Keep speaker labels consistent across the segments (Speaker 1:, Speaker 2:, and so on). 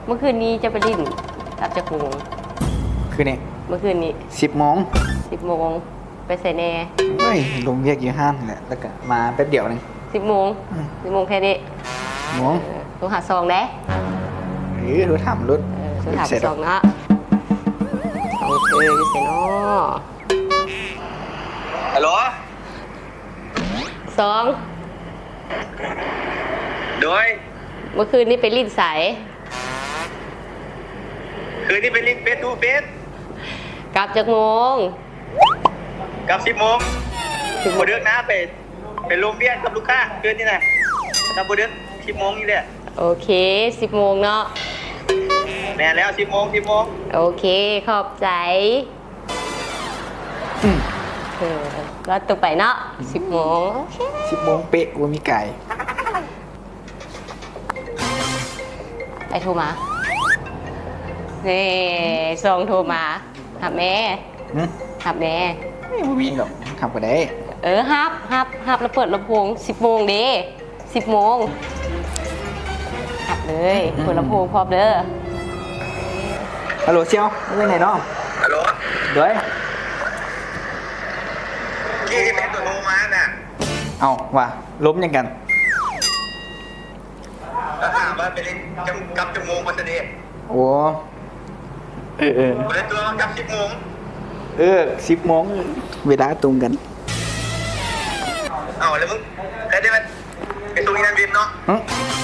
Speaker 1: เมื่อคืนนี้จะไปลิ้นกลับจากโมง
Speaker 2: คือเนี่ย
Speaker 1: เมื่อคืนนี้
Speaker 2: 10 โมง
Speaker 1: 10 โมงไปใส่แน่
Speaker 2: เฮ้ยลงเรียกอยู่ห้างแหละแล้วก็มาแป๊บเดียวนึง
Speaker 1: 10 โมง 10 โมงแค่นี้
Speaker 2: โมง
Speaker 1: โทรหาซองได้
Speaker 2: รถถามรถ
Speaker 1: โทรหาซองนะโอเคอยู่เซนอ
Speaker 3: ฮัลโหล
Speaker 1: ซอง
Speaker 3: โดย
Speaker 1: เมื่อคืนนี้ไปลิ้นใส
Speaker 3: คืนนี้เป็นลิงเฟสทูเฟส
Speaker 1: กลับจากโมง
Speaker 3: กับ10 โมงโมเดือกนะไปโรงเรียนกับลูกค้าคืนนี้นะทำโมเดือก10 โมงนี่แหละ
Speaker 1: โอเค 10 โมงเนาะ
Speaker 3: แน่แล้ว10 โมง10 โมง
Speaker 1: โอเคขอบใจแล้วตัวไปเนาะ10 โมงโอเค
Speaker 2: 10 โมงเป๊ะว่ามีไก่
Speaker 1: ไปโทรมานี่ซองโทรมาหับแม่
Speaker 2: หึ
Speaker 1: หับแม่
Speaker 2: ไม่มีหรอกทำก็ได้
Speaker 1: ฮับแล้วเปิดลำโพง10 โมงเด้10 โมงหับเลยเปิดลำโพงพร้อมเด้อ
Speaker 2: ฮัลโหลเชียวเรื่องไหนเนาะ
Speaker 3: ฮัลโหล
Speaker 2: ด้วย
Speaker 3: ที่เป็นตัวโทรมาน่ะ
Speaker 2: เอาว่ะล้มยังกัน
Speaker 3: แล้วถามว่าเป็นลิงกับ10 โมงวันเสาร์
Speaker 2: โอ้เออ
Speaker 3: วันนี้ตัวกับ10 โมง
Speaker 2: 10 โมงเวลาตรงกัน
Speaker 3: เอาแล้วมึงได้ไหมเป็นตรงนี้นั่นบินเนาะ
Speaker 2: hả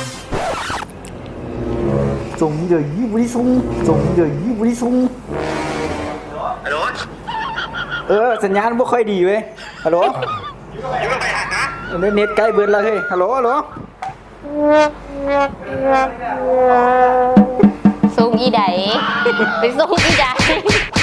Speaker 2: dùng giờ gì vui sung dùng giờ gì vui sung
Speaker 3: ฮัลโหล
Speaker 2: สัญญาณไม่ค่อยดีเว้ยฮัลโหล
Speaker 3: อยู่กับไปหานะ
Speaker 2: เน็ตใกล้เบิร์ดแล้วเฮ้ยฮัลโหล
Speaker 1: ส่งอีใดไปส่งอีใด